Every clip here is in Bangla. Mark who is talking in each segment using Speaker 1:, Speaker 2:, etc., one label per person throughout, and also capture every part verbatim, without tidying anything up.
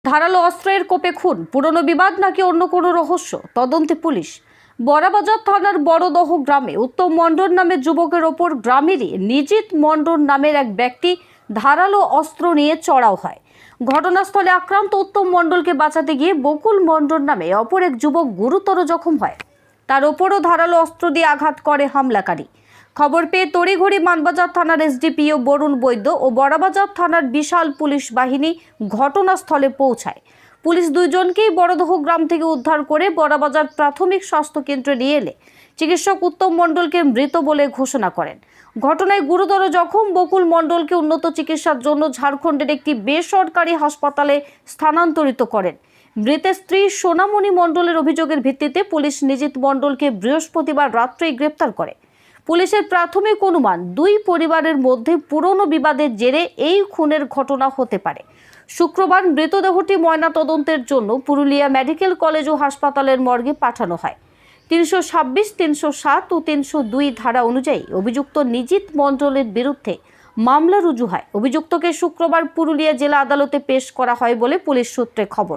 Speaker 1: ধারালো অস্ত্রের কোপে খুন, পুরনো বিবাদ নাকি অন্য কোনো রহস্য, তদন্তে পুলিশ। বড়াবাজার থানার বড়দহ গ্রামে উত্তম মণ্ডল নামের যুবকের ওপর গ্রামেরই নিজিত মণ্ডল নামের এক ব্যক্তি ধারালো অস্ত্র নিয়ে চড়াও হয়। ঘটনাস্থলে আক্রান্ত উত্তম মণ্ডলকে বাঁচাতে গিয়ে বকুল মণ্ডল নামে অপর এক যুবক গুরুতর জখম হয়। তার ওপরও ধারালো অস্ত্র দিয়ে আঘাত করে হামলাকারী। খবর পেয়ে তড়িঘড়ি মানবাজার থানার এসডিপিও বরুণ বৈদ্য ও বড়াবাজার থানার বিশাল পুলিশ বাহিনী ঘটনাস্থলে পৌঁছায়। পুলিশ দুইজনকেই বড়দহ গ্রাম থেকে উদ্ধার করে বড়াবাজার প্রাথমিক স্বাস্থ্য কেন্দ্রে নিয়ে এলে চিকিৎসক উত্তম মণ্ডলকে মৃত বলে ঘোষণা করেন। ঘটনায় গুরুতর জখম বকুল মণ্ডলকে উন্নত চিকিৎসার জন্য ঝাড়খণ্ডের একটি বেসরকারি হাসপাতালে স্থানান্তরিত করেন। মৃতের স্ত্রী সোনামণি মণ্ডলের অভিযোগের ভিত্তিতে পুলিশ নিজিত মণ্ডলকে বৃহস্পতিবার রাত্রেই গ্রেপ্তার করে। পুলিশের প্রাথমিক অনুমান, দুই পরিবারের মধ্যে পুরনো বিবাদের জেরে এই খুনের ঘটনা হতে পারে। শুক্রবার মৃতদেহটি ময়নাতদন্তের জন্য পুরুলিয়া মেডিকেল কলেজ ও হাসপাতালের মর্গে পাঠানো হয়। তিনশো ছাব্বিশ, তিনশো সাত ও তিনশো দুই ধারা অনুযায়ী অভিযুক্ত নিজিত মণ্ডলের বিরুদ্ধে মামলা রুজু হয়। অভিযুক্তকে শুক্রবার পুরুলিয়া জেলা আদালতে পেশ করা হয় বলে পুলিশ সূত্রে খবর।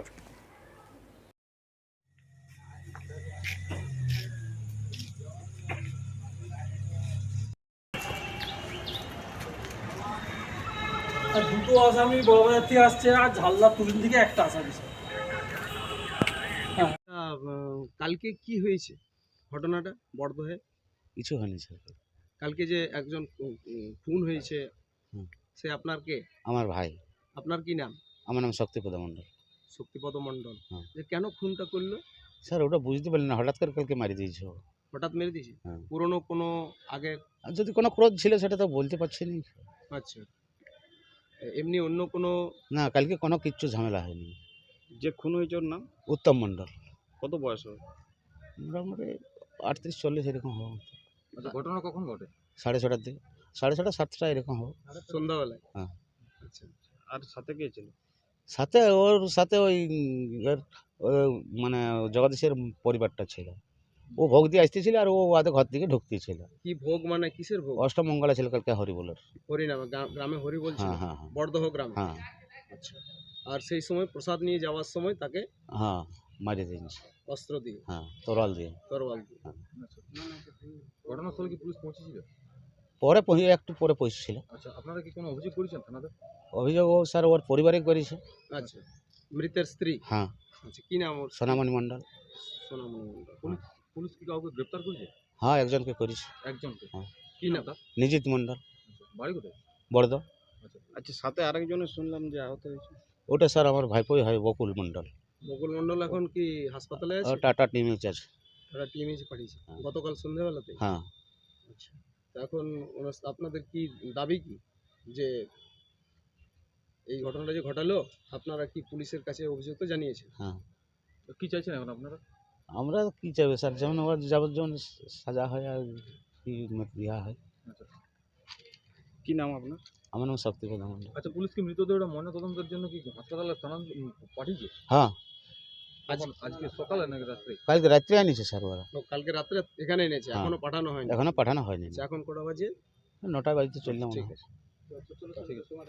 Speaker 2: আর দুটো আসামি বড়বাজার থেকে আসছে আর ঝালদা পুলিশ দিকে একটা আসামি।
Speaker 3: আহ, কালকে কি হয়েছে ঘটনাটা বড়দহে?
Speaker 4: কিছু হয়নি স্যার।
Speaker 3: কালকে যে একজন উম, উম, খুন হয়েছে,
Speaker 4: হুম।
Speaker 3: সে আপনার কে?
Speaker 4: আমার ভাই।
Speaker 3: আপনার কি নাম?
Speaker 4: আমার নাম শক্তিপদ মণ্ডল।
Speaker 3: শক্তিপদ মণ্ডল।
Speaker 4: হ্যাঁ।
Speaker 3: যে কেন খুনটা করলো?
Speaker 4: স্যার ওটা বুঝতে পারলেন না, হঠাৎ করে কালকে মারি দিয়েছে ও।
Speaker 3: হঠাৎ মেরে দিয়েছে?
Speaker 4: হ্যাঁ।
Speaker 3: পুরনো কোনো আগে?
Speaker 4: আর যদি কোনো ক্রোধ ছিল সেটা তো বলতে পারছি না।
Speaker 3: আচ্ছা, এমনি অন্য কোনো?
Speaker 4: না, কালকে কোনো কিচ্ছু ঝামেলা হয়নি।
Speaker 3: যে খুন হয়েছে ওর নাম?
Speaker 4: উত্তম মণ্ডল।
Speaker 3: কত বয়স হবে?
Speaker 4: মোটামুটি আটত্রিশ চল্লিশ এরকম হবে।
Speaker 3: আচ্ছা, ঘটনা কখন ঘটে?
Speaker 4: সাড়ে ছটার দিকে, সাড়ে ছটা সাতটা এরকম হবে।
Speaker 3: সন্ধ্যাবেলায়?
Speaker 4: হ্যাঁ।
Speaker 3: আচ্ছা, আর সাথে কে ছিল?
Speaker 4: সাথে ওর সাথে ওই এর ওই মানে জগদীশের পরিবারটা ছিল। ও ভোগ দিয়ে আসতেছিল আর ও ওদের ঘর থেকে ঢুকতেছিল।
Speaker 3: কি ভোগ মানে কিসের ভোগ?
Speaker 4: অষ্টমঙ্গলা ছিল কালকে হরিবোলের।
Speaker 3: হরিনামে, গ্রা- গ্রামে হরি বলছিল?
Speaker 4: হ্যাঁ হ্যাঁ হ্যাঁ
Speaker 3: বড়দহ গ্রামে?
Speaker 4: হ্যাঁ
Speaker 3: আচ্ছা, আর সেই সময় প্রসাদ নিয়ে যাওয়ার সময় তাকে
Speaker 4: হ্যাঁ মারি দিয়েছে।
Speaker 3: অস্ত্র দিয়ে,
Speaker 4: হ্যাঁ, তরল দিয়ে।
Speaker 3: তরোয়াল দিয়ে।
Speaker 4: হ্যাঁ।
Speaker 3: ঘটনাস্থলে কি পুলিশ পৌঁছেছিল?
Speaker 4: পরে পৌঁছে একটু পরে পৌঁছেছিল।
Speaker 3: আচ্ছা, আপনারা কি কোনো অভিযোগ করেছেন থানাতে?
Speaker 4: অভিযোগ ও স্যার ওর পরিবারে করেছে।
Speaker 3: আচ্ছা, মৃতের স্ত্রী?
Speaker 4: হ্যাঁ,
Speaker 3: আচ্ছা, কি নাম ওর?
Speaker 4: সোনামণি মণ্ডল।
Speaker 3: সোনামণি মণ্ডল। পুলিশ পুলিশ কি কাউকে গ্রেফতার করেছে?
Speaker 4: হ্যাঁ, একজনকে করেছে।
Speaker 3: একজনকে?
Speaker 4: হ্যাঁ।
Speaker 3: কি নাম তার?
Speaker 4: নিজিত মণ্ডল।
Speaker 3: বাড়ি কোথায়?
Speaker 4: বড়দ।
Speaker 3: আচ্ছা আচ্ছা, সাথে আরেকজনের শুনলাম যে আহত হয়েছে।
Speaker 4: ওটা স্যার আমার ভাইপোই হয়, বকুল মণ্ডল।
Speaker 3: বকুল মণ্ডল এখন কি হাসপাতালে
Speaker 4: ও
Speaker 3: আছে?
Speaker 4: টাটা টিমে আছে।
Speaker 3: তারা টিএমএইচে পাঠিয়েছে
Speaker 4: হ্যাঁ।
Speaker 3: গতকাল সন্ধ্যাবেলাতে?
Speaker 4: হ্যাঁ।
Speaker 3: আচ্ছা, তো এখন ওনার- আপনাদের কি দাবি কি যে এই ঘটনাটা যে ঘটালো, আপনারা কি পুলিশের কাছে অভিযোগ তো জানিয়েছেন?
Speaker 4: হ্যাঁ।
Speaker 3: তো কি চাইছেন এখন আপনারা?
Speaker 4: আমরা কি চাইবে স্যার, যেমন ওর যাবজ্জীবন সাজা হয় আর কি ইয়া হয়।
Speaker 3: কি নাম আপনার?
Speaker 4: আমার নাম শক্তিপদ মণ্ডল।
Speaker 3: আচ্ছা, পুলিশ কি মৃতদেহটা ময়নাতদন্তের জন্য কি হাসপাতালে স্থানান্তর পাঠিয়েছে?
Speaker 4: হ্যাঁ,
Speaker 3: আজ আজকে সকালে নাকি রাত্রে?
Speaker 4: কালকে রাত্রে আনিছে স্যার ওরা।
Speaker 3: ও, কালকে রাত্রে এখানে এনেছে,
Speaker 4: হ্যাঁ।
Speaker 3: এখনো পাঠানো হয়নি?
Speaker 4: এখনো পাঠানো হয়নি।
Speaker 3: আচ্ছা, এখন কটা বাজে?
Speaker 4: নটায় বাজতে চললাম।
Speaker 3: ঠিক আছে, ঠিক আছে।